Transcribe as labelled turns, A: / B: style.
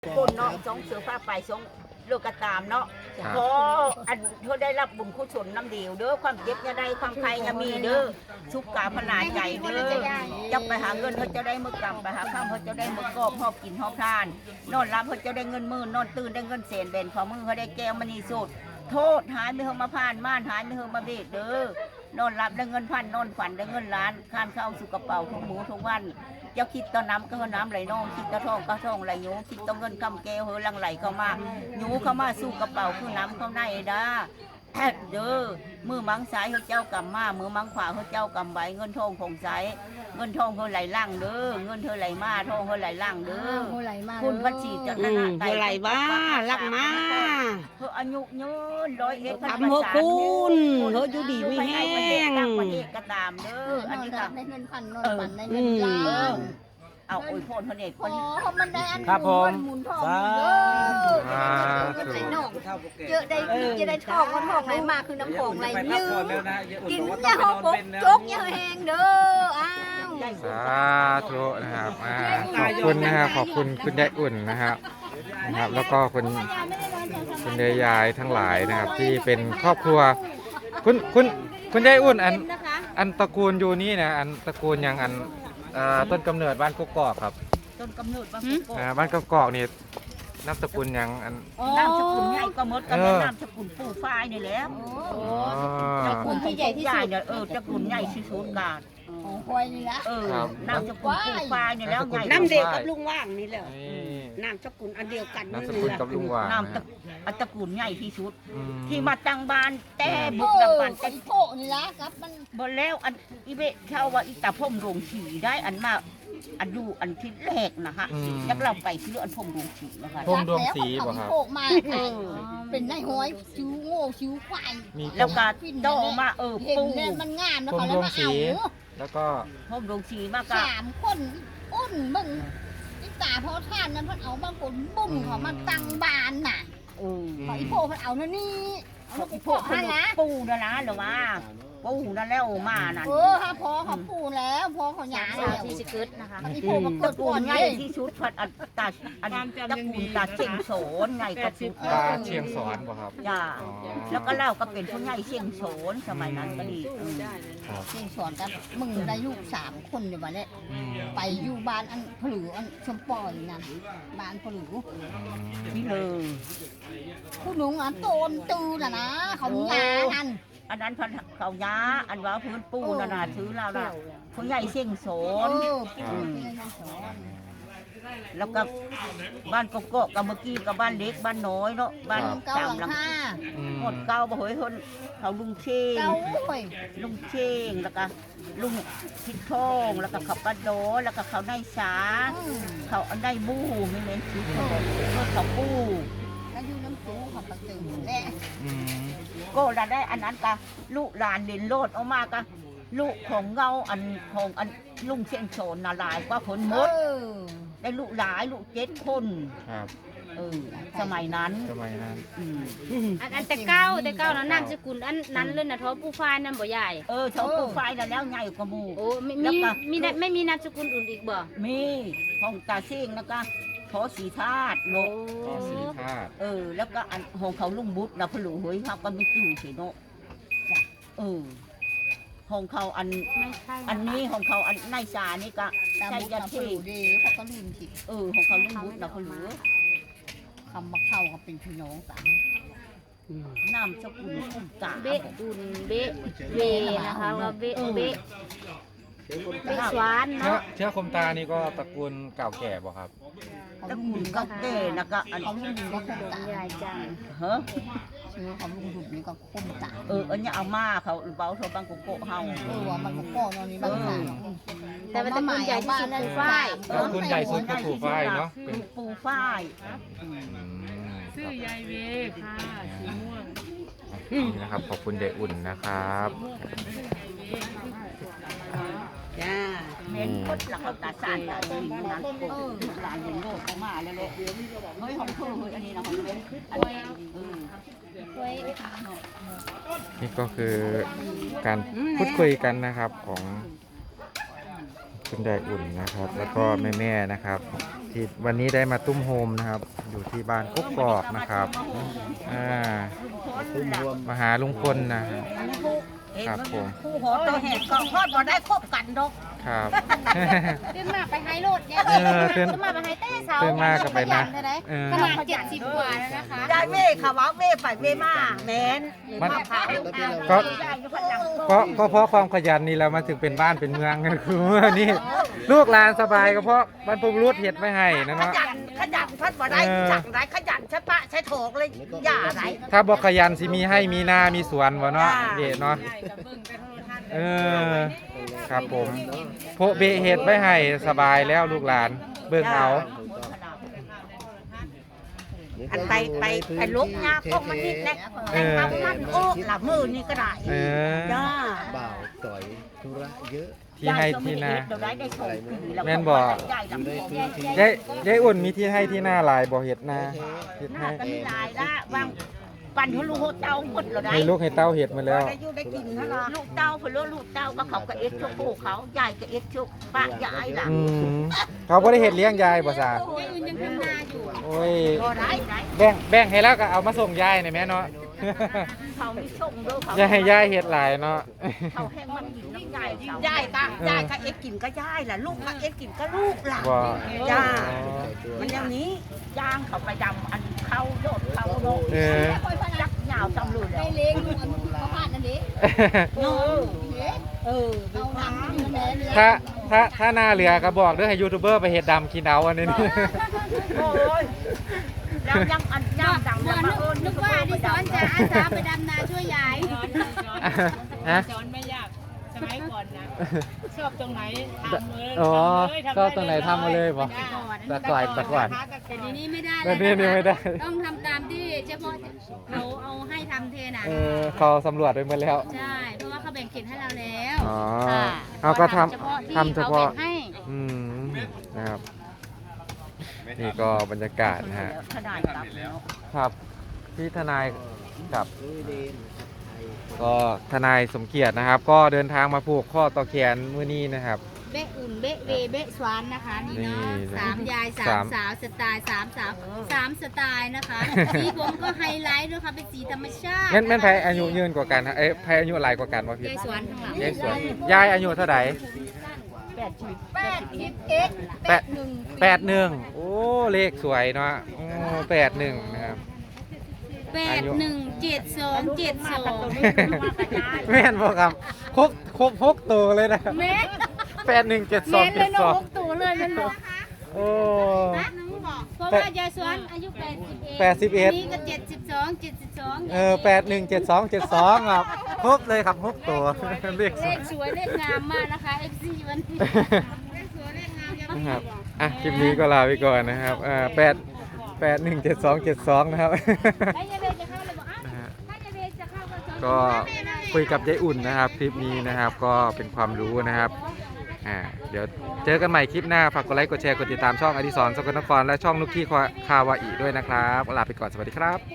A: คนเนาะสองเสือผ้าไปสองเลือกกระตามเนาะเพราะอันเขาได้รับบุญกุศลน้ำเดียวเด้อความเจ็บอย่าได้ความใครอย่ามีเด้อสุขกาพนาใจเด้อจะไปหาเงินเขาจะได้มือกำไปหาข้ามเขาจะได้มือกอบหอบกินหอบทานนอนรับเขาจะได้เงินหมื่นนอนตื่นได้เงินแสนเบนของมือเขาได้แก้วมณีสดโทษหายไม่เฮามาผ่านม่านหายไม่เฮามาเบ็ดเด้อนอนรับได้เงินพันนอนฝันได้เงินล้านคานเข้าสู่กระเป๋าทุกหมูทุกวันเจ้าคิดต่อน้ำก็น้ำไหลนองคิดต่อทองก็ทองไหลหนูคิดต่อเงินคำแก้วเฮอลังไหลเข้ามาหนูเข้ามาสู่กระเป๋าคือน้ำเข้าในด้าเด้อมือมังสายเขาเจ้ากำมามือมังขวาเขาเจ้ากำไว้เงินทองของใสเงินทองเขาไหลล่างเด้อเงินเธอไหลมาทองเขาไหลล่างเด้อคุณพัชชีจันทนาไต
B: ไหลบ้าลักมา
A: เธออายุยืน101
B: ทำหัวคุณเธออยู่ดีไม่แห้ง
A: ตั้งประเทศก็ตามเด้ออันนี้ก็
C: ได้เงินพันนอนฝันได้เงินล้าน
A: เอาโอ้ยพ่อคนเอกคน
C: มันได้อันหมุนทองเยอะใส่นอกเยอะได้จะได้ทองก็ทองไหลมาคือน้ำของไหลยืมกินยาหอมปกจกยาแห้งเด้ออ้าว
D: สาธุนะครับขอบคุณนะครับขอบคุณคุณยายอุ่นนะครับแล้วก็คุณยายทั้งหลายนะครับที่เป็นครอบครัวคุณยายอุ่นอันตระกูลอยู่นี่นะอันตระกูลยังอันต้นกำเนิดบ้านกกอกครับ
A: ต้นกำเนิดบ้านกกอก
D: บ้านกกอกนี่นามสกุลยังอัน
A: นามสกุลใหญ่ก็หมดกันนามสกุลปู่ฝ้ายนี่แหละตระกูลที่ใหญ่ที่สุดเนี่ยตระกูลใหญ่ที่สุดกัน
C: ควายนี่ละ
A: นามสกุลปู่ฝ้ายนี่แล้วใหญ่
B: น้ำเดียวกับลุงว่างนี่แหละนามสกุลอันเดียวกัน
D: นามสกุลกับลุงว่าง
A: นามตระกูลใหญ่ที่สุดที่มาตั้งบ้านแต่บุกตะปัน
C: แต่โพนี่ละครับมัน
A: บนแล้วอันอีเบะเช่าว่าอีตาพ่มโรงฉีได้อันมาอันดูอันที่แรกนะฮะยักเราไปที่อันพ่มโรงฉีนะคะ
D: พ่มดวงสีป่ะครับ
C: เป็นนายห้อยชิวโง่ชิวควาย
A: แล้วก็โตมา
C: ปูมันงามแล้วเขาเลยมาเอา
D: แล้วก็
A: พ่มโรงฉีมาก
C: 3 คนอ้นมึงอีตาพอท่านนั้นพันเอาบางคนบุ้มเขามาตั้งบ้านน่ะเขาอีโพพันเอานั่นนี่
A: อีโพพันนะปูนะหรือว่าปูนั่นแล้วมานั่น
C: ฮะพอเขาปูแล้วพอเขาหยาแล้ว
A: ที่สกิดนะคะอีโพมันเกิดก่อนไงที่ชุดพัดตาอันตะกูลตาเชียงโสนไงกับ
D: ตาเชียงสอนป่ะครับ
A: จ้าแล้วก็เล่าก็เป็นผู้ใหญ่เชียงโสนสมัยนั้นก็ดี
C: เชียงสอนกันมึงได้ลูก3 คนเดี๋ยววันนี้ไปอยู่บ้านอันผลืออันชมปอยนั่นบ้านผลือ
A: นี่เลย
C: ผู้หนุ่มอันโตนตือนะเขาหยานั่น
A: อันนั้นพันเขาย้าอันว่าพื้นปูนาถือเราน่ะผู้ใหญ่เชียงโสนแล้วก็บ้านกกอกกับเมื่อกี้กับบ้านเล็กบ้านน้อยเนาะบ้าน3 หลังหมดเก้าบ่เฮ้ยคนเขาลุงเชงแล้วก็ลุงทิดทองแล้วก็เขาปะโดแล้วก็เขาได้สาเขาอันได้บู้ไม่เน้นชิดเขาปู
C: แล้วอยู่น้ำปูเขาปะตึงแน่
A: ก็ได้อันนั้นก็ลูกหลานเรียนโลดออกมาก็ลูกของเงาอันของอันลุงเชียงโสนนาลายกว่าผลมดได้ลูกหลายลูก7 คน
D: ครับ
A: สมัยนั้น
B: อันแต่เก้านั้นนามสกุลอันนั้นเลยนะท้อปูฝ้ายนั่นบ่ใหญ่
A: ท้อปูฝ้ายแล้วใหญ่กว่าหมู่
B: โอ้ไม่มีนามสกุลอื่นอีกบ่
A: มีของตาเชียงแล้วก็พอสีธาตุโลแล้วก็อันของเขาลุงบุตรนะพลูเฮ้ยเขาก็ไม่จู่สิโนของเขาอันนี้ของเขาอันนายสานี่ก็ใช่ยันที่
C: ดีเขาก็ลืมสิ
A: ของเขาลุงบุตรนะพลู
C: คำมาเข้าก็เป็นพี่น้องกัน
A: น้ำสกุลคุ้มตา
B: เบะอุ่นเบะเวนะคะว่าเบะสวานเนาะ
D: เชื้อคมตานี่ก็ตระกูลเก่าแก่ป่ะครับ
A: ตระกูลเก่าแก่แล้วก็อัน
C: เขาลุงดุก็คุ้มตา
B: ใหญ่จัง
C: เชื้อเขาลุงดุนี่ก็คุ้มตา
A: อันนี้เอามาเขาเบาโทรบังกุโกเฮา
C: ว่ามันกุโกนอนนี้บางสาย
B: แต่ว่าตระกูลใหญ่ที่สุดปูฝ้าย
D: ตระกูลใหญ่สุดก็ปูฝ้ายเนาะ
A: เป็นปูฝ้าย
E: ชื่อยายเวค่ะสีม่วง
D: นี่นะครับขอบคุณยายอุ่นนะครับ
A: จ้าเน้นพดหลักตาสานตาดีนั้นหลานเห็นโลกเขามาแล้วเลยเฮ้ยของเธอเฮ้ยอันนี้นะของเว้น
D: นี่ก็คือการพูดคุยกันนะครับของคุณยายอุ่นนะครับ แล้วก็แม่ๆนะครับที่วันนี้ได้มาตุ้มโฮมนะครับ อยู่ที่บ้านกกอกนะครับมาหาลุงพลนะครับผม
A: คู่หอตัวแหกก็ทอดบ่ได้ครบกันดอก
D: ครับ
B: ตื่นมาไปไฮโลดเนี่ย
D: ตื่น
B: มาไปไฮเต้เสา
D: ตื่นมาก็ไปนะ
B: ขนาด70 กว่าแล้วนะคะ
A: ได้เว่ค่ะว่าเว่ไปเว่มาแม่น
D: มัน
A: มาพาลูก
D: ก็
A: ได้อยู่ข้างหลัง
D: ก็เพราะความขยันนี่เรามาถึงเป็นบ้านเป็นเมืองกันคือว่านี่ลูกหลานสบายก็เพราะบรรพบุรุษเฮ็ดไม่ให้นะ
A: ข
D: เนาะ
A: ยันพัดบ่ได้จักได้ขยันใช่ปะใช่โถกเลยอย่าไร
D: ถ้าบอกขยันสิมีให้มีนามีสวนวะเนาะ
A: จ้า
D: เดชเนาะครับผมโพะเบะเฮ็ดไว้ให้สบายแล้วลูกหลานเบิ่งเอา
A: อันไปลุกยาพวกมันนิดแน่ทำมันโอ้หลับมือนี่ก็ได้จ้า
F: บ่าวต่อยธุระเยอะ
D: ที่ให้ที่นา
A: เราได้โชคดี
D: แม่นบอก ยายอุ่นมีที่ให้ที่หน้าหลายบ่เฮ็ดนาเฮ็ด
A: ห
D: ให้
A: น้าก็มีลายละวางปั่นทุลูกเต้าหมดเราได้
D: ให้ลูกให้เต้าเฮ็ดมาแล้ว
A: ได้อยู่ได้กินเท่าไหร่ลูกเต้าเพื่อลูกเต้าก็เขาก็เอ็ดชุกปู่เขายายก็เอ็ดชุกป้ายายล่ะ
D: เขาบ่ได้เฮ็ดเลี้ยงยายบ่ซะ
B: ยายอุ่นยังทำนาอยู่
D: โอ้ย
A: ก็ได้ได้
D: แบ่งให้แล้วก็เอามาส่งยายหน่อยแม่เนาะ
A: เขามีชงด้วยเขา
D: อย่าให้ยายเฮ็ดหลายเนาะ
A: เขาแห้งมันกินน้ำยายยายก็เอ็ดกินก็ยายล่ะลูกก็เอ็ดกินก็ลูกล่ะ
D: บ่
A: จ้ามันอย่างนี้ย่างเขาไปดำอันเข้าโดดเข้าโดดจักยาวตำลุย
C: ได้เลี้ยงอยู่เขาผ่านนั่นดิเอาทำอยู่แม่เลย
D: ถ้าหน้าเหลือก็บอกเด้อให้ยูทูบเบอร์ไปเฮ็ดดำกินเอาอันนี้
A: โอ้ยแล้วยังอันย่างดัง
B: บ่นึกว่าดิฉันจะอาสาไปดำนาช่วยยาย
D: ฮะ
E: สอนไม่ยากสมัยก่อนนะชอบตรงไหนทำเลย
D: อ๋อ
E: ทำเลย
D: ก็ตรงไหนทำมาเลยบ่ตะกวาด
B: แต่ทีนี้ไม่ได้
D: แบบนี้นี่ไม่ได้
B: ต้องทำตามที่เฉพาะเอาให้ทำเทนะ
D: เขาสำรวจไปหมดแล้ว
B: ใช่ เพราะว่าเขาแบ่งเขตให้เราแล้ว
D: อ๋อ
B: ค่ะ
D: เอาก็ท
B: ทำ
D: ำ
B: เฉ
D: เฉ
B: พาะ
D: พาะ
B: ที่เขาแบ่งให้
D: นะครับ นี่ก็บรรยากาศนะฮะ
A: ขนาดกับ
D: ครับที่ทนายกับก็ทนายสมเกียรตินะครับ ก็เดินทางมาผูกข้อต่อแขนมื้อนี้นะครับ
B: เบะอุ่นเบะเวเบะสวานนะคะนี่เนาะ
D: นี่
B: 3 ยาย
D: สาม
B: 3 สาวสไตล์3 สาว 3 สไตล์นะคะสีผมก็ไฮไลท์ด้วยค่ะเป็นสีธรรมชาติ
D: แม่นไผอายุยืนกว่ากันฮะใครอายุหลายกว่ากันวะพี่
B: ยายสวนข้างหลัง
D: ยายสวนยายอายุเท่าไหร่ 81โอ้เลขสวยเนาะโอ้81นะครับ
B: 817272
D: แม่นบ่ครับครบตัวเลยนะ
B: เม็ด
D: 8172
B: เลยเนาะ
D: 72
B: ตัวเลยมันบอก
D: โอ้
B: เพราะว่ายายสวนอายุ81นี่ก็72
D: 817272ครับครบเลยครับครบตัวเลขส
B: เล
D: วย
B: ขสวยเลขงามมากนะคะ FC วันนี้เลขสวยเลขงามยัง
D: นะครับอ่ะคลิปนี้ก็ลาไปก่อนนะครับ817272นะครับ
B: ให้ยายเบจะเข้าเลยบอกอ้าวถ้ายายเบจะเข้าก็
D: ก็คุยกับยายอุ่นนะครับคลิปนี้นะครับก็เป็นความรู้นะครับเดี๋ยวเจอกันใหม่คลิปหน้าฝากกดไลค์กดแชร์กดติดตามช่องอดิศรสกลนครและช่องนุกกี้คาวาอีด้วยนะครับลาไปก่อนสวัสดีครับ